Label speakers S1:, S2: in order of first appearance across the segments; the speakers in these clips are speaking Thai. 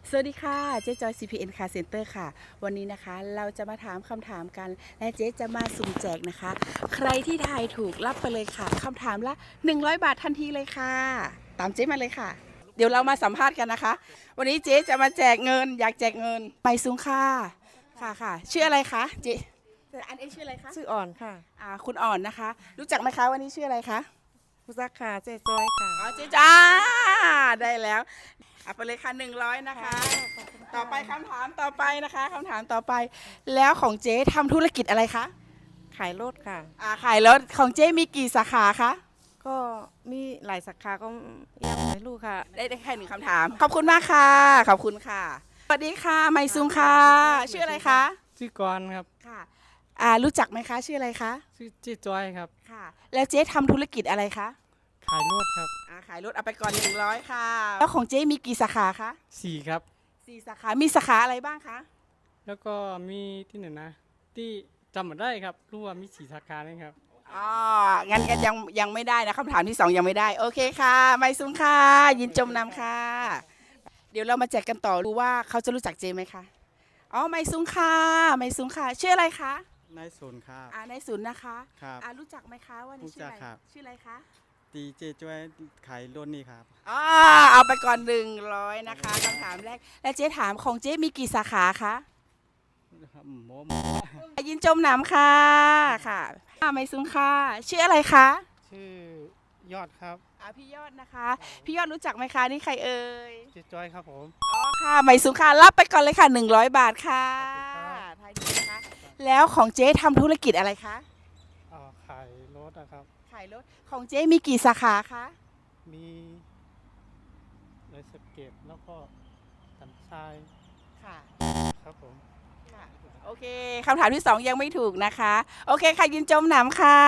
S1: สวัสดีค่ะเจ๊จอย CPN Car Center ค่ะวันนี้นะคะเราจะมาถามคำถามกันและเจ๊จะมาสุ่มแจกนะคะใครที่ทายถูกรับไปเลยค่ะคำถามละ100 บาททันทีเลยค่ะตามเจ๊มาเลยค่ะเดี๋ยวเรามาสัมภาษณ์กันนะคะวันนี้เจ๊จะมาแจกเงินอยากแจกเงินไปซุ้งค่ะค่ะชื่ออะไรคะเจ๊อันเองชื่ออะไรคะ
S2: ชื่ออ่อนค่ะ
S1: คุณอ่อนนะคะรู้จักไหมคะวันนี้ชื่ออะไรคะ
S2: ผู้ซักค่ะเจ๊จอยค่ะ
S1: อ๋อเจ๊จ้าได้แล้วเอาไปเลยค่ะ100นะคะต่อไปคำถามต่อไปนะคะคำถามต่อไปแล้วของเจ๊ทำธุรกิจอะไรคะ
S2: ขายรถค่ะ
S1: ขายรถของเจ๊มีกี่สาขาคะ
S2: ก็มีหลายสาขาก็ยังไม่รู้ค่ะ
S1: ได้แค่1 คำถามขอบคุณมากค่ะขอบคุณค่ะสวัสดีค่ะไมซุงค่ะชื่ออะไรคะ
S3: ชื่อกรณ์ครับ
S1: ค่ะรู้จักไหมคะชื่ออะไรคะ
S3: ชื่อจีจอยครับ
S1: ค่ะแล้วเจ๊ทำธุรกิจอะไรคะ
S3: ขายรถครับ
S1: ขายรถเอาไปก่อน100ค่ะแล้วของเจ๊มีกี่สาขาคะ
S3: 4ครับ
S1: 4 สาขามีสาขาอะไรบ้างคะ
S3: แล้วก็มีที่ไหนนะที่จำไม่ได้ครับรู้ว่ามี4สาขาเลยครับ
S1: อ๋องั้นยังไม่ได้นะคำถามที่2ยังไม่ได้โอเคค่ะไมซุงค่ะยินจมนำค่ะเดี๋ยวเรามาแจกกันต่อดูว่าเขาจะรู้จักเจไหมคะอ๋อไมซุงค่ะไมซุงค่ะชื่ออะไรคะ
S4: นายศูนย์ครับ
S1: นายศูนย์นะคะ
S4: ครับ
S1: รู้จักไหมคะว่านี่ชื่ออะไรชื่ออะไรคะ
S4: ตีเจช่วยขายรถนี่ครับ
S1: เอาไปก่อน100นะคะคำถามแรกและเจ๊ถามของเจ๊มีกี่สาขาคะ
S4: โม
S1: ยินจมน้ำค่ะค่ะไมซุงค่ะชื่ออะไรคะ
S3: ชื่อยอดครับ
S1: พี่ยอดนะคะพี่ยอดรู้จักไหมคะนี่ใครเอ่ย
S3: จีจอยครับผม
S1: อ๋อค่ะไมซุงค่ะรับไปก่อนเลยค่ะ100 บาทค่ะทายดีนะคะแล้วของเจ๊ทำธุรกิจอะไรคะ
S3: ขายรถนะครับ
S1: ขายรถของเจ๊มีกี่สาขาคะ
S3: มีไรสเก็ตแล้วก็สันทราย
S1: ค่ะ
S3: ครับผม
S1: ค่ะโอเคคำถามที่2ยังไม่ถูกนะคะโอเคค่ะยินจมหนำค่ะ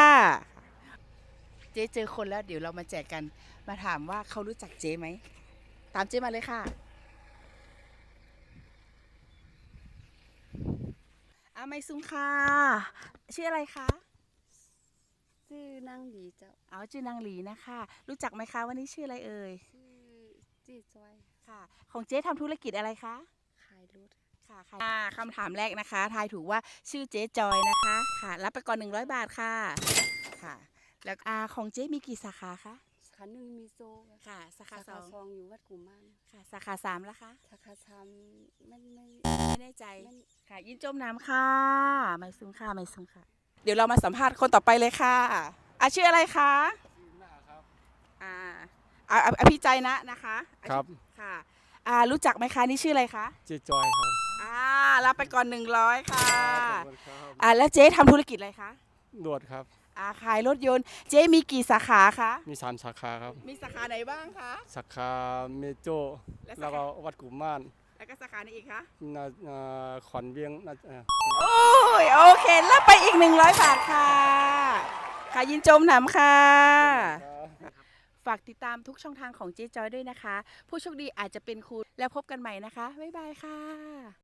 S1: เจ๊เจอคนแล้วเดี๋ยวเรามาแจกกันมาถามว่าเขารู้จักเจ๊ไหมตามเจ๊มาเลยค่ะไม่ซุ้มค่ะชื่ออะไรคะ
S5: ชื่อนางหลีเจ้า
S1: ชื่อนางหลีนะคะรู้จักไหมคะวันนี้ชื่ออะไรเอ่ย
S5: ชื่อจีจอย
S1: ค่ะของเจ๊ทำธุรกิจอะไรคะ
S5: ขายรถ
S1: ค่ะคำถามแรกนะคะทายถูกว่าชื่อเจ๊จอยนะคะค่ะรับไปก่อน100 บาทค่ะค่ะแล้วของเจ๊มีกี่สาขาคะ
S5: สาขาหนึ่งมีโซ
S1: ค่ะสาขาสอง
S5: อยู่วัดกุมาร
S1: ค่ะสาขา3ล่ะคะ
S5: สาขา3ไม่
S1: แน่ใจค่ะยินจมน้ำค่ะไม่ซุ้มค่ะไม่ซุ้มค่ะเดี๋ยวเรามาสัมภาษณ์คนต่อไปเลยค่ะชื่ออะไรคะพี่ใจนะคะ
S3: ครับ
S1: ค่ะรู้จักไหมคะนี่ชื่ออะไรคะ
S3: จีจอยครับ
S1: รับไปก่อน100ค่ะแล้วเจ๊ทำธุรกิจอะไรคะ
S3: ดวดครับ
S1: ขายรถยนต์เจ๊มีกี่สาขาคะ
S3: มี3สาขาครับ
S1: มีสาขาไหนบ้างคะ
S3: สาขาเมโจแล้วก็วัดกุมาร
S1: แล้วก็สาขาไหนอีกคะ
S3: ขอนเวียง
S1: โอ้ยโอเครับไปอีก100 บาทค่ะค่ะยินจมหนำค่ะฝากติดตามทุกช่องทางของเจ๊จอยด้วยนะคะผู้โชคดีอาจจะเป็นคุณแล้วพบกันใหม่นะคะบ๊ายบายค่ะ